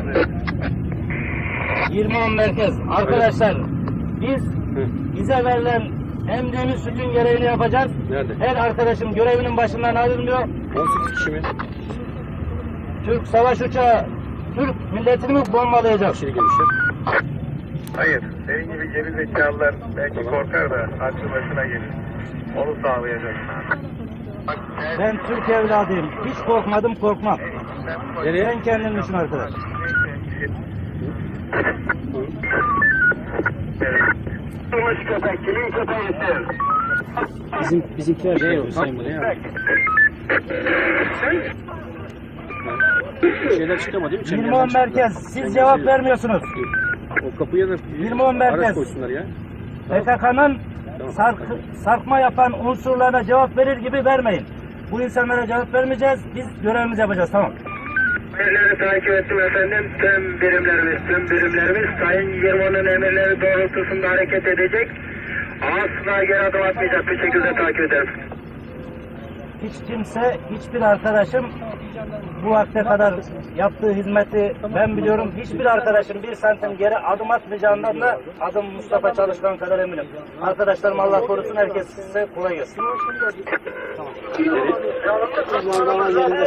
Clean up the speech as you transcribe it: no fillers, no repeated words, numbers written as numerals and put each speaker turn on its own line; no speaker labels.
20-10 merkez. Arkadaşlar bize verilen emdiğimiz sütün görevini yapacağız.
Nerede?
Her arkadaşım görevinin başından ayrılmıyor.
18 kişi mi?
Türk savaş uçağı Türk milletini mi bombalayacak?
Aşırı genişler.
Hayır, senin gibi geri zekalılar belki korkar da aklı başına gelir. Onu sağlayacak.
Ben Türk evladıyım. Hiç korkmadım, korkmam.
Nereye?
Sen kendin düşün arkadaş.
Durmuş köpek, kimin köpeğisin?
Bizimkiler şey yok. Hüseyin bu ne ya? Bir şeyler çıkamadı değil mi? Çemberden
20-10
çıktılar.
merkez. Siz cevap vermiyorsunuz.
O kapıya da
20-10 merkez.
araç koysunlar ya.
PKK'nın sarkma yapan unsurlarına cevap verir gibi vermeyin. Bu insanlara cevap vermeyeceğiz. Biz görevimizi yapacağız. Tamam.
Emirleri takip ettim efendim. Tüm birimlerimiz Sayın Yılmaz'ın emirleri doğrultusunda hareket edecek. Asla geri adım atmayacak bir şekilde takip ederim.
Hiç kimse, hiçbir arkadaşım bu vakte kadar yaptığı hizmeti ben biliyorum. Hiçbir arkadaşım 1 santim geri adım atmayacağından da adım Mustafa Çalışkan kadar eminim. Arkadaşlarım Allah korusun, herkes size kolay gelsin.